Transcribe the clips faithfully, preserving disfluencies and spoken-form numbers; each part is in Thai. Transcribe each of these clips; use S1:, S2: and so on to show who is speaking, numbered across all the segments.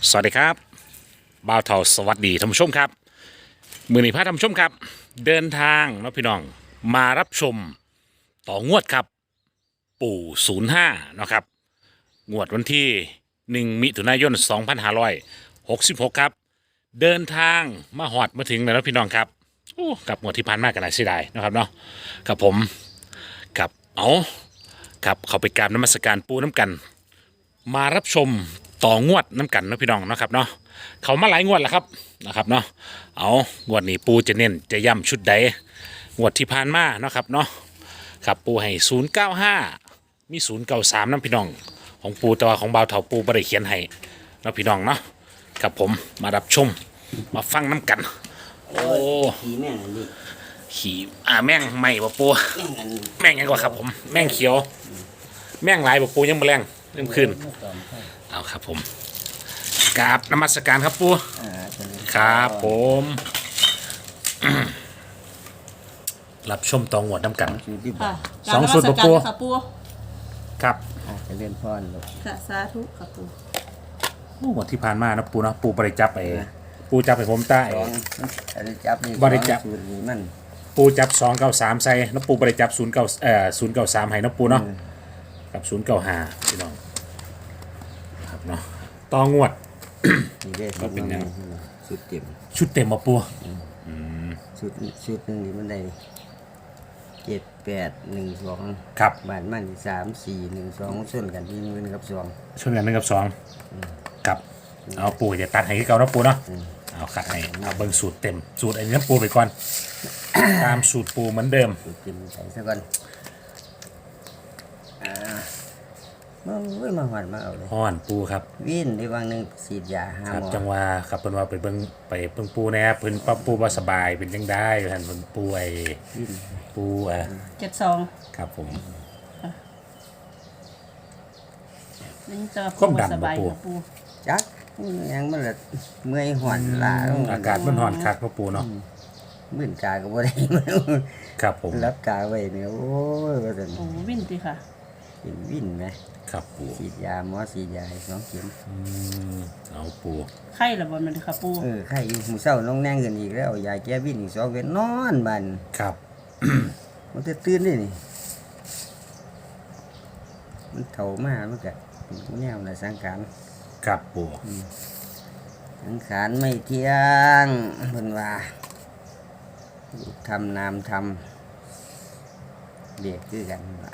S1: สวัสดีครับบ่าวเทาสวัสดีท่านผู้ชมครับมือนี้พาท่านผู้ชมครับเดินทางเนาะพี่น้องมารับชมต่องวดครับปู่ศูนย์ห้าเนาะครับงวดวันที่หนึ่งมิถุนายนสองพันห้าร้อยหกสิบหกครับเดินทางมาหอดมาถึงแล้วพี่น้องครับโอ้กับงวดที่ผ่านมากันหลายเสียดายนะครับเนาะกับผมกับเอากับเขาไปกราบนมัสการปูน้ำกัน มารับชมต่องวดน้ำกันเนาะพี่น้องเนาะครับเนาะเขามาหลายงวดแล้วครับนะครับเนาะเอางวดนี้ปูจะเน้นจะย้ำชุดใดงวดที่ผ่านมาเนาะครับเนาะครับปูให้ศูนย์เก้าห้ามีศูนย์เก้าสามน้ำพี่น้องของปูแต่ว่าของบ่าวเถาปูบริเขียนให้เนาะพี่น้องเนาะครับผมมารับชมมาฟังน้ำกันโอ้
S2: ขี่แม่งอันนี้
S1: ขี่อ่าแม่งใหม่บ่ปู
S2: แม่งอัน
S1: แม่งยังกว่าครับผมแม่งเขียว แม่งหลายบ่ปูยังบ่แรงเริ่มขึ้น เอาครับผมกราบนมัสการครับปู
S2: อ่าตัวนี้
S1: ครับผม รับชมตองหวดน้ำกัน
S2: คือที่บอ
S3: ค่ะ
S2: ก
S1: สองสูตร
S3: กา
S1: บ่ปู
S3: นมัสการค่ะปู
S1: ครับ
S2: อ่าจะเล่นพรลูก
S3: ค่ะสาธุค่ะปู
S1: หวดที่ผ่านมานะปูนะปูบริจับไปปูจับไปผมใต้
S2: สองอันนี้จับนี่
S1: บ่ได้จับ
S2: สองสูตรนี้มัน
S1: ปูจับสองเก้าสามใส่แล้วปูบริจับศูนย์เก้าเอ่อศูนย์เก้าสามให้นะปูเนาะกับศูนย์เก้าห้าพี่น้องครับเนาะตองวด
S2: นี่ได้
S1: ก็เป็นแนว
S2: สุดเต็ม
S1: ชุดเต็มมาปู
S2: สุดสุดหนึ่งนี่มันได้เจ็ดแปดหนึ่งสอง
S1: ครับ
S2: บาทมันสามสี่หนึ่งสองส่วนกันที่หนึ่งกับสอง
S1: ช่วยกันหนึ่งกับสองกับเอาปูจะตัดให้คือเก่านะปูเนาะเอาขัดให้เอาเบิ่งสูตรเต็มสูตรอันนี้นะปูไปก่อน ตามสูตรปูเหมือนเดิม
S2: สุดเต็มใส่ซะก่อนอ่ามาเว้ยมาหอดมาเอาเลย
S1: ห่อนปูครับ
S2: วิ่นได้วางหนึ่งสีดยาห้า
S1: ครับ
S2: หมอ
S1: จังหวะครับเพิ่นว่าไปเบิ่งไปเบิ่งปูแหน่เพิ่นป้าปูบ่สบายเป็นจังได้ท่านเพิ่นปูไอ้
S2: วิ่น
S1: ปูเอ่อ
S3: เจ็ดสอง
S1: ครับผม
S3: นี่จะ
S1: ความดัน
S3: สบาย
S1: บ่ปู
S3: ค่ะปู
S2: จักยังมันละเมื่อยหอนลา
S1: อากาศมันร้อนคักเนาะปูเนาะ
S2: มื่นกาก็บ่ได้
S1: ครับผม
S2: รับกาไว้เนี่ยโอ้ยว่าซั่น
S3: โอ้วิ่นดีค่ะ
S2: เป็นวิ่นไหม
S1: ครับปู
S2: ฉีดยาหมอฉีดยาให้สองเข็ม
S1: อืมเอาปู
S3: ไข่ระบนมันค่ะปู
S2: เออไข้อยู่มื้อเช้าน้องแน่งขึ้นอีกแล้วเอายาแก้วิ่นอีกสองเวนนอนบัด
S1: ครับ
S2: มันจะตื่นได้นี่มันเฒ่ามามันก็เป็นแนวน่ะสังขาร
S1: ครับปู
S2: สังขารไม่เที่ยงเพิ่นว่ารูปทำนามทำเด็กคือกันล่ะ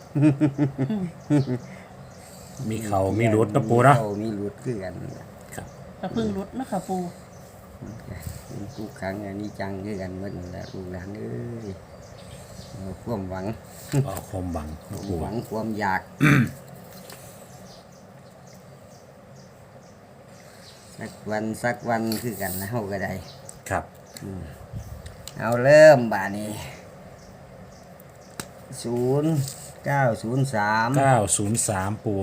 S1: มีเขามีรุดเนาะปูเนาะ
S2: เขามีรุดคือกันล่ะ
S1: ครับ
S3: กระพึ่งรุดนะคะปู
S2: เป็นทุกครั้งอันนี้จังคือกันหมดนั่นแหละลูกหลานเอ้ยเอาความหวัง
S1: เอาความหวัง
S2: ค
S1: เนาะ
S2: วาม
S1: ปู
S2: หวังความอยาก สักวันสักวันคือกันนะเฮาก็ได้
S1: ครับ
S2: เอาเริ่มบ่านี้ศูนย์เก้าศูนย์สาม
S1: เก้าศูนย์สามปู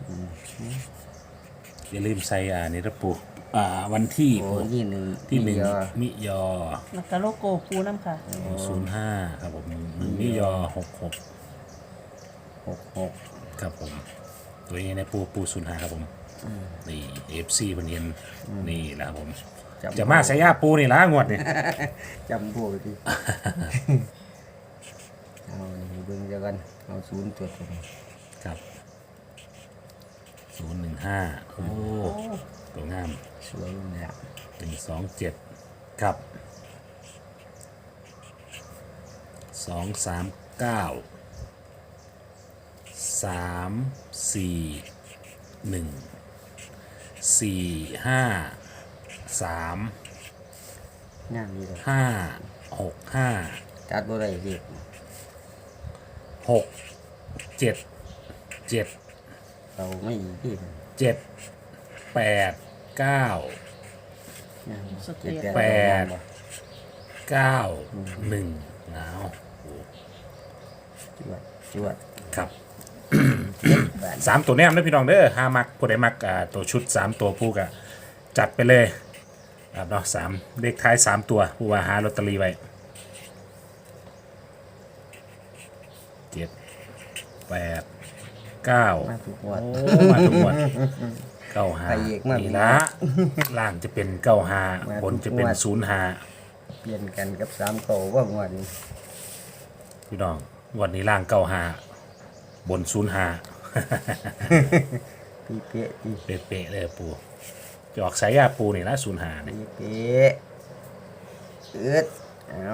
S1: อย่าลืมใส่อ่านี่นะปูอ่าวันที่
S2: โอ้
S1: ปู
S2: ที่หนึ่ง
S1: ที่หนึ่ง
S2: ยอ
S1: มิยอ
S3: แล้วก็โลโก้ปูน้ำค่ะ
S1: ศูนย์ห้าครับผมหนึ่งมิยอหกหก
S2: หกหก
S1: ครับผม ตัวนี้ในปูปูศูนย์ห้าครับผมนี่เอฟซีพันเย็นนี่แหละครับผม จะมาใส่ยาปูนี่ละงวดนี่
S2: จำพวกที่ เอานี่เบิ่งเดียวกันเอาศูนย์ตัวตรง
S1: ครับศูนย์หนึ่งห้าโอ้ตัวงาม
S2: สวยเลย
S1: หนึ่งสองเจ็ดครับสองสามเก้าสามสี่หนึ่งสี่ห้าสาม
S2: งามดีเลย
S1: ห้าหกห้า
S2: ตัดบ่ได้เด็ก
S1: หกเจ็ดเจ็ด
S2: เราไม่ที่
S1: เจ็ดแปดเก้า
S2: งาม
S3: สเตีย
S2: เจ็
S1: แปด เก้าหนึ่งหนาว
S2: จวดจวด
S1: ครับ
S2: บาท
S1: สามตัวแนมนะพี่น้องเด้อห้ามักผู้ใดมักอ่าตัวชุดสามตัวผู้กะจัดไปเลยครับเนาะสามเลขท้ายสามตัวผู้ว่าหาลอตเตอรี่ไว้เจ็ดแปดเก้า
S2: มาทุกงวด
S1: โอ้มาทุกงวันเก้าห้า
S2: ไปอีกมา
S1: นี่ละล่างจะเป็นเก้าห้า
S2: มา
S1: บนจะเป็น
S2: ทุกงวด
S1: ศูนย์ห้า
S2: เปลี่ยนกันกับสามเก่าว่างวดนี้
S1: พี่น้องวันนี้ล่างเก้าห้าบนศูนย์ห้า
S2: ปีเป๊ะปี
S1: เป๊ะๆเลยปูจะออกสายยาปูนี่ละศูนย์ห้าเนี่ย
S2: ปีเป๊ะอึดเอา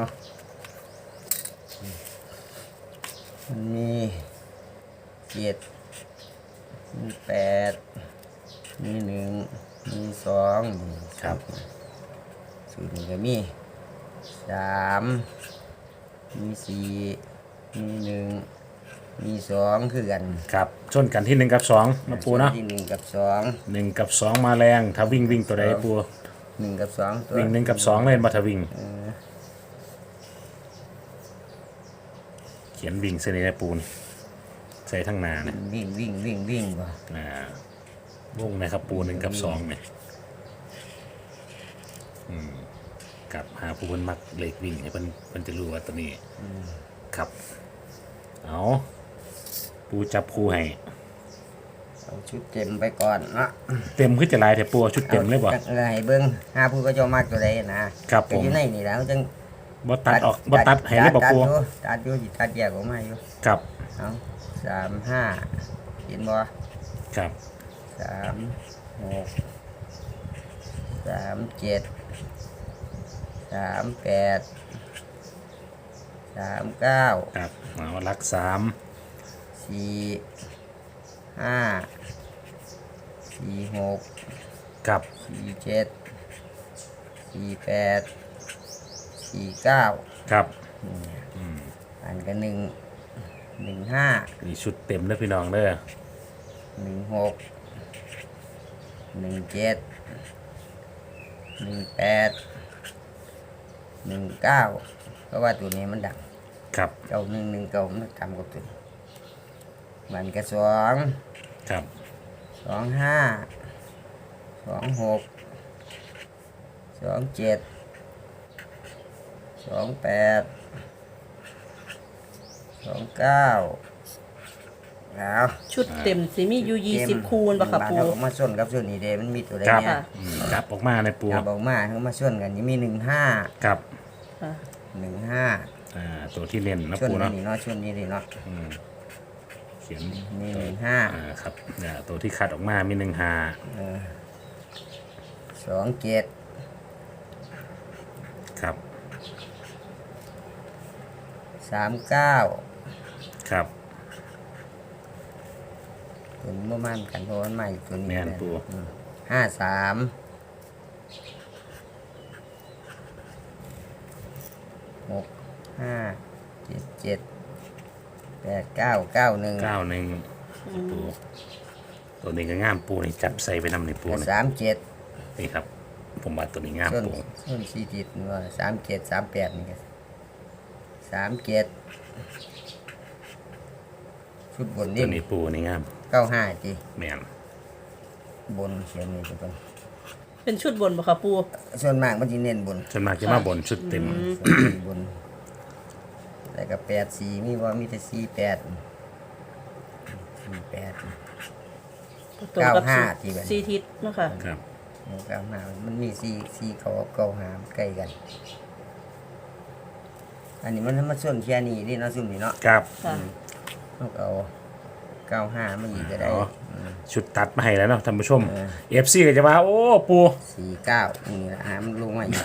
S2: มันมีเจ็ดมีแปดมีหนึ่งมีสองมี
S1: ครับ
S2: สูตรนี้ก็มีสามมีสี่มีหนึ่งมีสองคือกัน
S1: ครับชนกันที่หนึ่งกับสองนะปูเนาะ
S2: ที่หนึ่งกับสอง
S1: หนึ่งกับสองมาแรงถ้าวิ่งวิ่งตัวใดปู
S2: หนึ่งกับสองตัว
S1: วิ่งหนึ่งกับสองเล่นมาถ้าวิ่ง
S2: เออ
S1: เขียนวิ่งเส้นนี้นะปูนี่ใส่ทั้งหนาเนี่ย
S2: วิ่งวิ่งวิ่งวิ่งบ่
S1: อ่า วงนะครับปูหนึ่งกับสองเนี่ยอืมกับหาปูเพิ่นมักเลขวิ่งให้เพิ่นเพิ่นจะรู้ว่าตัวนี้ครับเอาปูจับคู่ให้
S2: เอาชุดเต็มไปก่อนเนาะ
S1: เต็มขึ้นจะลายแต่ปูเอาชุดเต็มเลยบ่
S2: อาจักเออให้เบิ่งหาผู้ก็เจะมากตัวใดนะครับ
S1: ผม
S2: ก็อยู่ในนี่แหล้วจัง
S1: บ่ตัดออกบ่ตัดให้เลยบ่
S2: ตัด
S1: ปู
S2: อยู่ตัดอยู่สิตัดแยกออกมาอยู่
S1: ครับ
S2: เอาสามห้าเห็นบ่
S1: ครับ
S2: สามหกสามเจ็ดสามแปดสามเก้า
S1: ครับเอาหลักสาม
S2: สี่ห้าสี่หก
S1: ครับ
S2: สี่เจ็ดสี่แปดสี่เก้า
S1: ครับ
S2: อันกันหนึ่งหนึ่งห้า
S1: นี่ชุดเต็มเด้อพี่น้องเด้อ
S2: หนึ่งหกหนึ่งเจ็ดหนึ่งแปดหนึ่งเก้าเพราะว่าตัวนี้มันดัง
S1: ครับ
S2: เก้าหนึ่งหนึ่งเก้ามันทำกับตัวนี้มันก็สอง
S1: ครับ
S2: สองห้าสองหกสองเจ็ดสองแปดสองเก้าแล้ว
S3: ชุดเต็มสิมีอยู่ยี่สิบคูณบ่ค่ะปู
S2: บ้านเราก็มาส้นกับส่วนนี้เดมันมีตัวใด
S1: ครับ
S2: เนี่ย
S1: อืมครับออกมาในปู
S2: จับออกมาเขามาส้นกันนี่มีหนึ่งห้า
S1: ครับ
S3: ค่ะ
S2: หนึ่งห้า
S1: อ่าตัวที่เล่นนะ
S2: ส้น
S1: ปูเนาะ
S2: นี่เนาะส้นนี้เลยเนาะ
S1: อืมเขียน
S2: มีหนึ่งห้า
S1: อ่าครับเนี่ยตัวที่คัดออกมามีหนึ่งหา
S2: สองเจ็ด
S1: ครับ
S2: สามเก้า
S1: ครับ
S2: ตัวนี้บ่มันกันเพราะมันใหม่ตัวนี้
S1: แม่นปู
S2: อืมห้าสามหกห้าเจ็ดเจ็ดแปดเก้าเก้าหนึ่ง
S1: เก้าหนึ่งปูตัวนี้ก็งามปูนี่จับใส่ไปนำในปูนี่
S2: สามเจ็ด
S1: นี่ครับ ผมว่าตัวนี้งาม
S2: ส่วน
S1: ปู
S2: ส่วนสี่ติดว่าสามเจ็ดสามแปดนี่ก็สามเจ็ดชุดบน
S1: ตั
S2: นี่
S1: วนี้ปูนี่งาม
S2: เก้าห้าจี
S1: แม่น
S2: บนเขียนนี่ทุกคน
S3: เป็นชุดบนบ่ค่ะปู
S2: ส่วนมากมันจะเน้นบน
S1: ส่วนมากจะมาบนชุดเต็ม
S2: บนแล้วก็แปดสี่มีว่ามีแต่สี่แปดสี่แปด
S3: ตรงกับ
S2: เก้าห้าที่แบบ
S3: สี่ทิศเนาะค่ะ
S1: ครับ
S2: เก้าห้ามันมีสี่สี่เขาเก้าห้าใกล้กัน อันนี้มันมาส่วนแค่นี้นี่เนาะซุ่มนี่เนาะ
S1: ครับ
S3: ค่ะ
S2: ต้องเอาเก้าห้ามาอีกก็ได้
S1: อ๋อ
S2: ม
S1: ชุดตัดมาให้แล้วเนาะท่านผู้ชม
S2: เออ
S1: เอฟซีก็จะว่า โอ้ปู
S2: สี่เก้านี่ละหามันลงมาอีก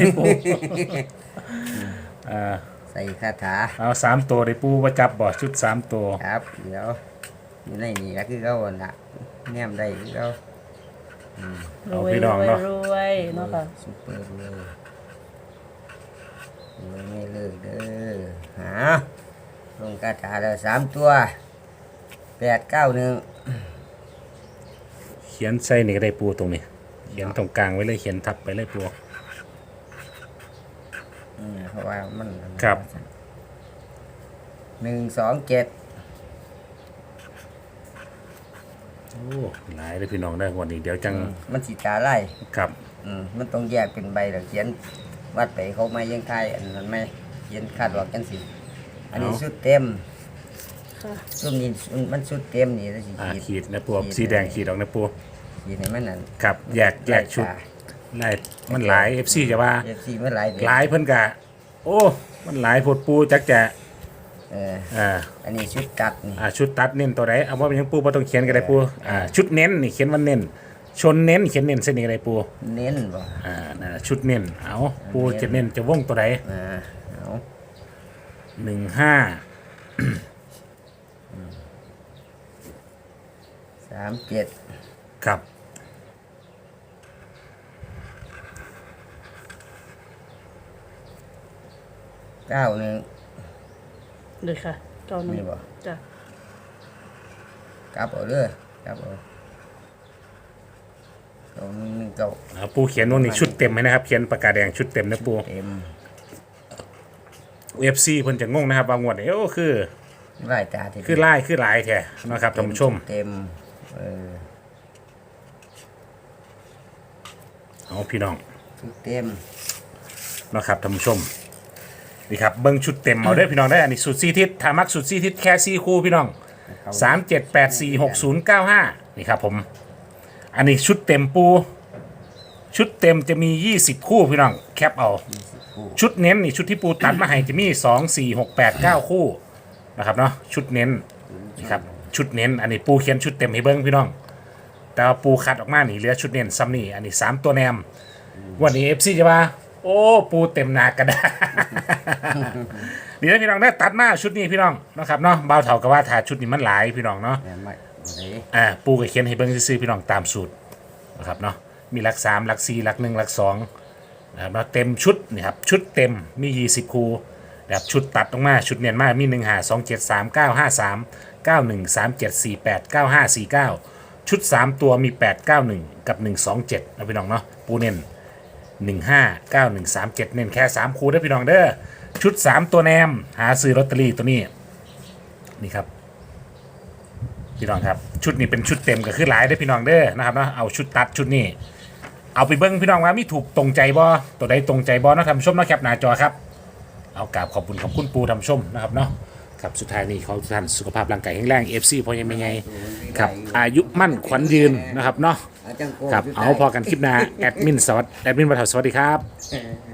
S1: อ่า
S2: ใส่คาถา
S1: เอาสามตัวได้ปูว่าจับบ่ชุดสามตัว
S2: ครับ เดี๋ยวอยู่ในนี่ละคือเขาอ่ะนะแนมได้คือเขา
S3: ร
S1: เอา
S3: วย
S1: พี่
S3: ร
S1: น้อง
S3: วย
S1: เนาะ
S3: รวยเนาะค่ะ
S2: ซุปเปอร์เลยรวยไม่เลิกเด้อหาลงคาถาแล้วสามตัวแปดเก้าหนึ่ง
S1: เขียนใส่นี่ก็ได้ปูตรงนี้เขียนตรงกลางไว้เลยเขียนทับไปเลยปู
S2: อืมเพราะว่ามัน
S1: ครับ
S2: หนึ่งสองเจ็ด
S1: โอ้หลายเลยพี่น้องได้อวันนี้เดี๋ยวจัง
S2: มันสีตาไล่
S1: ครับ
S2: อืมมันต้องแยกเป็นใบแล้วเขียนวัดไปเขาไม่ยังไทยอันนั้นไม่เขียนคาดว่ากันสิอันนี้ชุดเต็ม
S3: ค่ะ
S2: ชุดนี้มันชุดเต็มนี่แล้วสิ
S1: อ่า
S2: ขีด
S1: ขีดนะปูสีแดงขีดออกนะปู
S2: ขขีดให้มันนั่น
S1: ครับแยกแยกชุดหลายมันหลาย เอฟ ซี จะว่า
S2: เอฟซีมันหลายเดือน
S1: หลายเพิ่นกะโอ้มันหลายโพดปูจักจะ
S2: เออ
S1: อ่า
S2: อันนี้ชุดตัดนี่
S1: อ่าชุดตัดเน้นตัวไหนเอาว่าเป็นหยังปูบ่ต้องเขียนก็ได้ปูอ่าชุดเน้นนี่เขียนว่าเน้นชนเน้นเขียนเน้นเส้นนี้ก็ได้ปู
S2: เน้นบ่
S1: อ่านั่นน่ะชุดเน้นเอาปูจะเน้นจะวงตัวไหน
S2: อ่าเอา
S1: หนึ่งห้า
S2: สามเจ็ด
S1: ครับ
S2: เก้าหนึ่ง
S3: เลยค่ะเก้าหนึ่ง
S2: มีบ่
S3: จ้ะ
S2: กลับเอาเด้อกลับเอาเก้าหนึ่งหนึ่งเก้า
S1: เอาปูเขียนวงนี้ชุดเต็มไหมนะครับเขียนปากกาแดงชุดเต็มนะปู
S2: เต็ม
S1: เอฟซีเพิ่นจะงงนะครับบางงวดเนี่ยโอ้คือ
S2: ไล่ตาที
S1: คือไล่คือหลายแท้นะครับท่านผู้ชม
S2: เต็มเออ
S1: เอาพี่น้อง
S2: ชุดเต็ม
S1: นะครับท่านผู้ชมนี่ครับเบิ้งชุดเต็มเอาได้อพี่น้องได้ออันนี้สุดซีทิศทามักสุดซีทิศแค่ซีคู่พี่น้องสามเจ็ดแปดสี่หกศูนย์เก้าห้านี่ครับผมอันนี้ชุดเต็มปู ชุดเต็มจะมียี่สิบคู่พี่น้องแคปเอา ชุดเน้นนี่ชุดที่ปูตัดมาให้จะมีสองสี่หกแปดเก้าคู่นะครับเนาะชุดเน้นนี่ครับชุดเน้นอันนี้ปูเขียนชุดเต็มให้เบิ้งพี่น้อง แต่ว่าปูคัดออกมานี่เหลือชุดเน้นซ้ำนี่อันนี้สามตัวแนมวันนี้เอฟซีจะมาโอ้ปูเต็มหนากระดาษ นี่นะพี่น้องได้ตัดมาชุดนี้พี่น้องนะครับเนาะเบาเถากับว่าถาชุดนี้มันหลายพี่น้องเนาะ
S2: แม่นไหมไหน
S1: อ่าปูก็เขียนให้เบิ้งซื้อๆพี่น้องตามสูตรนะครับเนาะมีหลักสามหลักสี่หลักหนึ่งหลักสองนะครับเนาะเต็มชุดนี่ครับชุดเต็มมียี่สิบคู่แบบชุดตัดออกมาชุดเนียนมากมีหนึ่งห้าสองเจ็ดสามเก้าห้าสามเก้าหนึ่งสามเจ็ดสี่แปดเก้าห้าสี่เก้าชุดสามตัวมีแปดเก้าหนึ่งกับหนึ่งสองเจ็ดนะพี่น้องเนาะปูเน้นหนึ่งห้าเก้าหนึ่งสามเจ็ดเน้นแค่สามคู่ได้อพี่น้องเด้อชุดสามตัวแนมหาซื้อลอตเตอรี่ตัวนี้นี่ครับ พี่น้องครับชุดนี้เป็นชุดเต็มก็คือหลายได้อพี่น้องเด้อนะครับเนาะเอาชุดตัดชุดนี้เอาไปเบิ้งพี่น้องว่ามีถูกตรงใจบ่ตัวใดตรงใจบ่เนาะทำชมเนาะแคปหน้าจอครับเอากราบขอบคุณขอบคุณปูทำชมนะครับเนาะครับสุดท้ายนี้เขาทุกท่านสุขภาพร่างกายแข็งแรง เอฟ ซี พอยังไม่ไงครับอายุมั่นขวัญยืนนะครับเนาะ
S2: อาจังโก
S1: ครับ
S2: ยู่
S1: เอา
S2: ใต้
S1: พอกันคลิปหน้าแอดมินสวัสดีแอดมินบัตรสวัสดีครับ
S2: เออ